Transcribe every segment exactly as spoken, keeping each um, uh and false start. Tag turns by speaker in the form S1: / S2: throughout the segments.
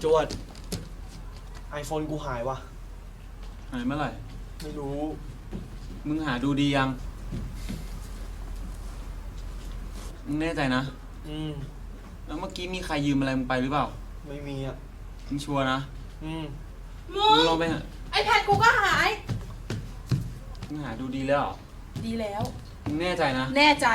S1: จวดไอโฟนกูหายวะ
S2: หายเมื่อไหร่
S1: ไม่รู้
S2: มึงหาดูดียังมึงแน่ใจนะ
S1: อืม
S2: แล้วเมื่อกี้มีใครยืมอะไรมึงไปหรือเปล่า
S1: ไม่มีอ่ะ
S2: มึงชัวร์นะ
S1: อืม
S2: มึงลองไปหา
S3: ไอแพดกูก็หาย
S2: มึงหาดูดีแล้วเหรอ
S3: ดีแล้ว
S2: มึงแน่ใจนะ
S3: แน่ใจ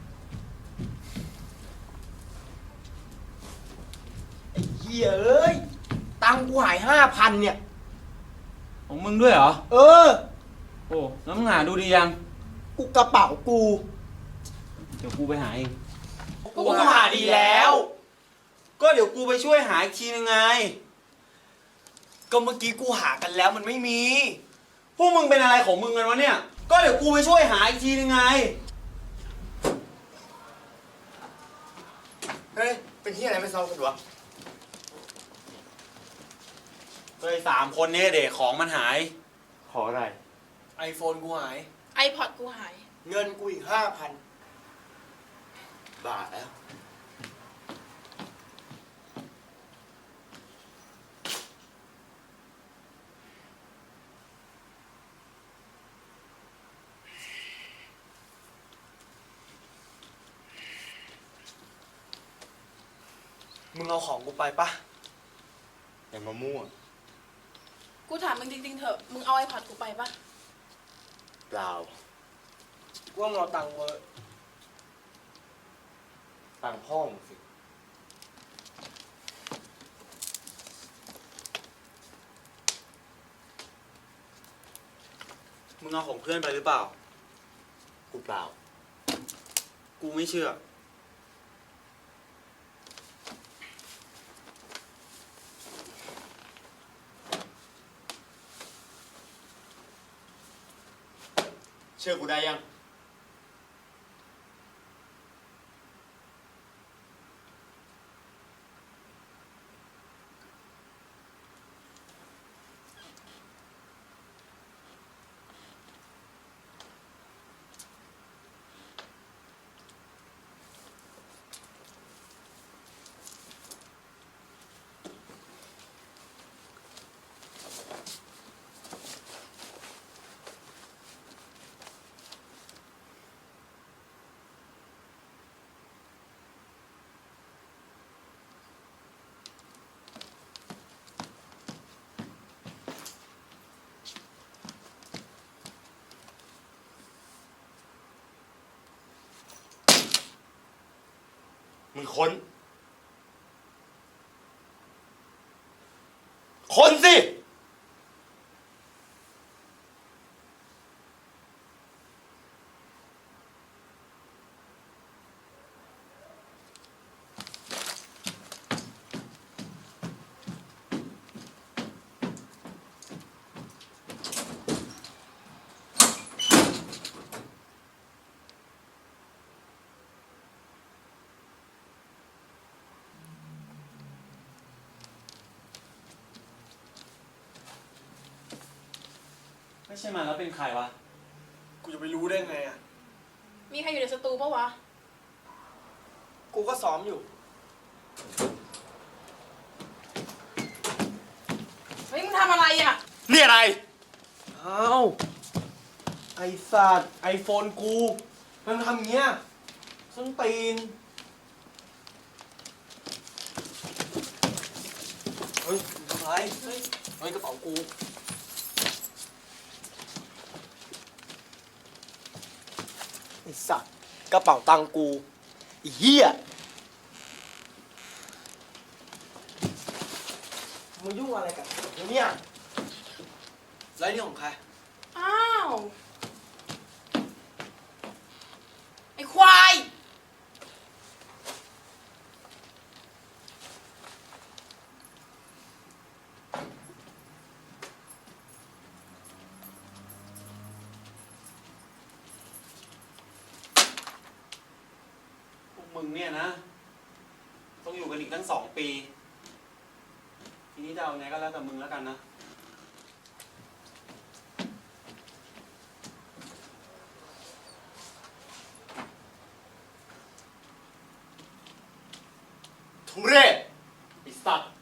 S1: ไอ้เหี้ยเอ้ยตังกูหายห้าพันเนี่ย
S2: ของมึงด้วยเหรอ
S1: เออ
S2: โอ้แล้วมึงหาดูดียัง
S1: กูกระเป๋ากู
S2: เดี๋ยวกูไปหาเอง
S1: กูหาดีแล้วก็เดี๋ยวกูไปช่วยหาอีกทีนึงไงก็เมื่อกี้กูหากันแล้วมันไม่มีพวกมึงเป็นอะไรของมึงกันวะเนี่ยก็เดี๋ยวกูไปช่วยหาอีกทีนึงไง
S4: เฮ้ยเป็นที่อะไรไม่เศร้ากันวะ
S1: เฮ้ยสามคนนี้เด็กของมันหาย
S4: ขออะไร
S1: ไอโฟนกูหาย
S3: ไอพอดกูหาย
S1: เงินกูอีกห้าพัน
S4: บาทแล้ว
S1: มึงเอาของกูไปปะ
S4: อย่ามามั่ว
S3: กูถามมึงจริงๆเถอะมึงเอาไอพอดกูไปปะ
S4: เปล่า
S1: กูว่ามึงเอาตังค์เวอร์
S4: ตังพ่อมึงสิ
S1: มึงเอาของเพื่อนไปหรือเปล่า
S4: กูเปล่า
S1: กูไม่เชื่อ
S4: เชื่อกูได้ยังมึงค้นค้นสิ
S2: ไม่ใช่มันแล้วเป็นใครวะ
S1: กูจะไปรู้ได้ไงอ่ะ
S3: มีใครอยู่ในสตูปะวะ
S1: กูก็ซ้อมอยู่
S3: เฮ้ยมึงทำอะไรอ่ะ
S4: นี่อะไร
S1: อ้าวไอสัตว์ไอโฟนกูมันทำเงี้ยส้นตีนเฮ้ยทำไรเฮ้ยเฮ้ยกระเป๋ากูไอสัตว์กระเป๋าตังกูไอ้เหี้ยมึงยุ่งอะไรกับเนี่ยแล้วนี่ของใคร
S3: อ้าวไอควาย
S2: มึงเนี่ยนะต้องอยู่กันอีกตั้งสองปีทีนี้จะเอาไงก็แล้วแต่มึงแล้วกันนะ
S4: ทุเรศไอ้สัตว์